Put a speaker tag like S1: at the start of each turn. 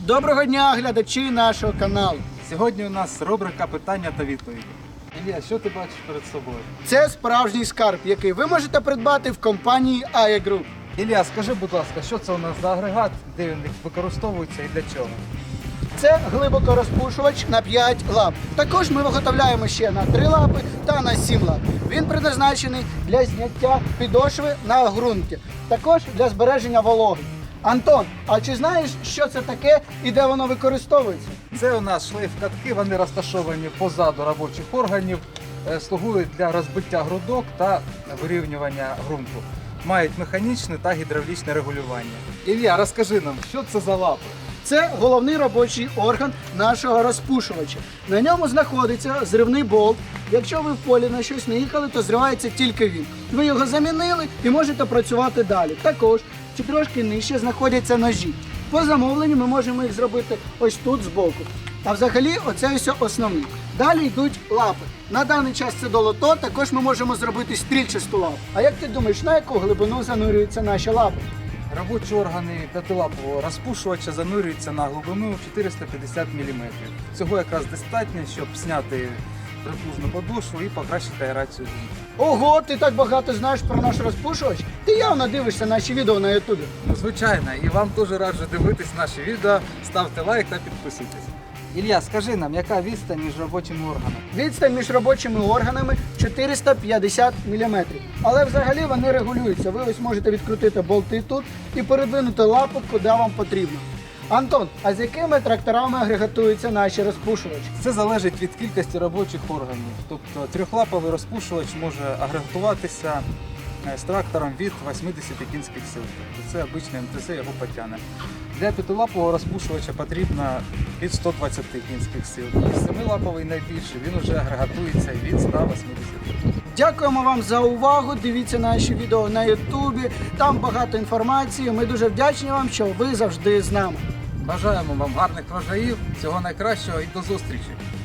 S1: Доброго дня, глядачі нашого каналу.
S2: Сьогодні у нас рубрика питання та відповіді. Ілля, що ти бачиш перед собою?
S1: Це справжній скарб, який ви можете придбати в компанії AE Group.
S2: Ілля, скажи, будь ласка, що це у нас за агрегат, де він використовується і для чого?
S1: Це глибокорозпушувач на 5 лап. Також ми виготовляємо ще на 3 лапи та на 7 лап. Він предназначений для зняття підошви на ґрунті, також для збереження вологи. Антон, а чи знаєш, що це таке і де воно використовується?
S2: Це у нас шлейф-катки, вони розташовані позаду робочих органів, слугують для розбиття грудок та вирівнювання ґрунту. Мають механічне та гідравлічне регулювання. Ілля, розкажи нам, що це за лапи?
S1: Це головний робочий орган нашого розпушувача. На ньому знаходиться зривний болт. Якщо ви в полі на щось не їхали, то зривається тільки він. Ви його замінили і можете працювати далі. Також чи трошки нижче знаходяться ножі. По замовленню ми можемо їх зробити ось тут збоку. А взагалі оце все основне. Далі йдуть лапи. На даний час це долото, також ми можемо зробити стрільчасту лапу. А як ти думаєш, на яку глибину занурюються наші лапи?
S2: Робочі органи п'ятилапового розпушувача занурюються на глибину 450 мм. Цього якраз достатньо, щоб зняти припужну подошву і покращити аерацію ґрунту.
S1: Ого, ти так багато знаєш про наш розпушувач? Ти явно дивишся наші відео на ютубі.
S2: Ну, звичайно, і вам теж раджу дивитись наші відео, ставте лайк та підписуйтесь. Ілля, скажи нам, яка відстань між робочими органами?
S1: Відстань між робочими органами 450 мм. Але взагалі вони регулюються. Ви ось можете відкрутити болти тут і передвинути лапу, куди вам потрібно. Антон, а з якими тракторами агрегатуються наші розпушувачі?
S2: Це залежить від кількості робочих органів. Тобто трьохлаповий розпушувач може агрегатуватися з трактором від 80 кінських сил. Тобто це обичний МТЗ, його потягне. Для п'ятилапового розпушувача потрібно від 120 кінських сил. І семилаповий найбільший, він вже агрегатується від 180.
S1: Дякуємо вам за увагу. Дивіться наші відео на ютубі. Там багато інформації. Ми дуже вдячні вам, що ви завжди з нами.
S2: Бажаємо вам гарних врожаїв, всього найкращого і до зустрічі!